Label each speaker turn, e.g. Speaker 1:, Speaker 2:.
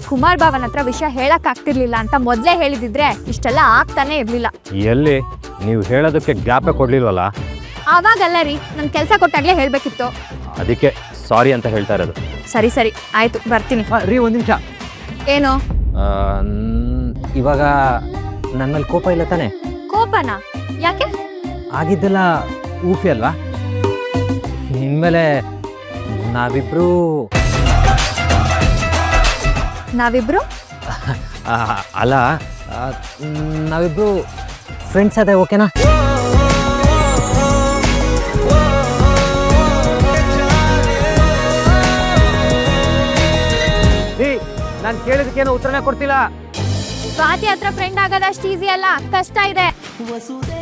Speaker 1: ಕುಮಾರ್ ಬಾವನ್ ಹತ್ರ ವಿಷಯ ಹೇಳಕ್ ಆಗ್ತಿರ್ಲಿಲ್ಲ ಅಂತ ಮೊದಲೇ ಹೇಳಿದಿದ್ರೆ ಇಷ್ಟೆಲ್ಲ ಆಗ್ತಾನೆ ಇರ್ಲಿಲ್ಲ.
Speaker 2: ಎಲ್ಲಿ ನೀವು ಹೇಳೋದಕ್ಕೆ ಗ್ಯಾಪೇ ಕೊಡ್ಲಿಲ್ವಲ್ಲ?
Speaker 1: ಆವಾಗಲ್ಲ ರೀ, ನನ್ ಕೆಲಸ ಕೊಟ್ಟಾಗ್ಲೇ ಹೇಳ್ಬೇಕಿತ್ತು.
Speaker 2: ಅದಕ್ಕೆ ಸಾರಿ ಅಂತ ಹೇಳ್ತಾ ಇರೋದು.
Speaker 1: ಸರಿ ಸರಿ ಆಯ್ತು, ಬರ್ತೀನಿ.
Speaker 2: ರೀ ಒಂದು ನಿಮಿಷ.
Speaker 1: ಏನು?
Speaker 2: ಇವಾಗ ನನ್ನ ಮೇಲೆ ಕೋಪ ಇಲ್ಲ ತಾನೆ?
Speaker 1: ಕೋಪನಾ? ಯಾಕೆ?
Speaker 2: ಆಗಿದ್ದೆಲ್ಲ ಊಫಿ ಅಲ್ವಾ? ಇನ್ಮೇಲೆ ನಾವಿಬ್ರು ಅಲ್ಲ, ನಾವಿಬ್ರು ಫ್ರೆಂಡ್ಸ್ ಅದೇ, ಓಕೆನಾ? ನಾನು ಕೇಳಿದಕ್ಕೇನು ಉತ್ತರನೇ ಕೊಡ್ತಿಲ್ಲ.
Speaker 1: ಸ್ವಾತಿ ಹತ್ರ ಫ್ರೆಂಡ್ ಆಗೋದಷ್ಟು ಈಸಿ ಅಲ್ಲ, ಕಷ್ಟ ಇದೆ.